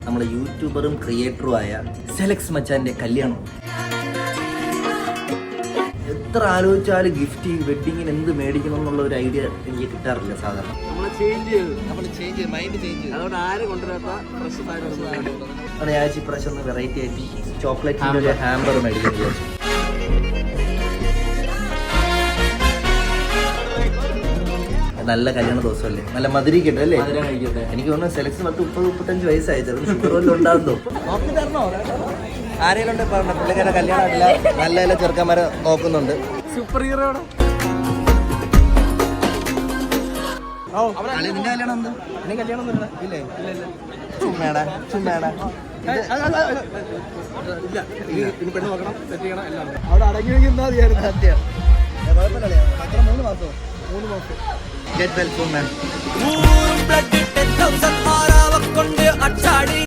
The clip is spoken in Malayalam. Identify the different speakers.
Speaker 1: നമ്മളെ യൂട്യൂബറും ക്രിയേറ്ററും ആയ സെലക്സ് മച്ചാന്റെ കല്യാണം. എത്ര ആലോചിച്ചാലും ഗിഫ്റ്റ് വെഡിങ്ങിന് എന്ത് മേടിക്കണം എന്നുള്ള ഒരു ഐഡിയ എനിക്ക് കിട്ടാറില്ല സാധാരണ. ഞാൻ ഇപ്രാവശ്യം ഒന്ന് വെറൈറ്റി ആയിട്ട് ചോക്ലേറ്റ് ഹാമ്പർ മേടിക്കാൻ വിചാരിച്ചു. നല്ല കല്യാണ ദിവസമല്ലേ, നല്ല മധുരിക്കട്ടെ അല്ലേ. എനിക്ക് തോന്നുന്നു സെലക്ഷൻ 30-35 വയസ്സായി, ചിലപ്പോൾ ഷുഗർ വല്ലതും ഉണ്ടാകുന്നോ. നോക്കി തരണോ? ആരെങ്കിലും ഉണ്ട് പറഞ്ഞ പുള്ളിക്കാരുടെ കല്യാണം ഇല്ല, നല്ല നല്ല ചെറുക്കന്മാരെ നോക്കുന്നുണ്ട്. സൂപ്പർ ഹീറോ നിന്റെ കല്യാണം എന്താ? എന്നെ കല്യാണം ഒന്നും ഇല്ലേ? ചുമ്മാടാ ചുമ്മാടാ. പെണ്ണ് നോക്കണം, സെറ്റ് ചെയ്യണം, എല്ലാം അവിടെ അടങ്ങി സത്യം. കുഴപ്പമില്ലേ? എത്ര 3 മാസമോ? 3 മാസം. Get well soon, man.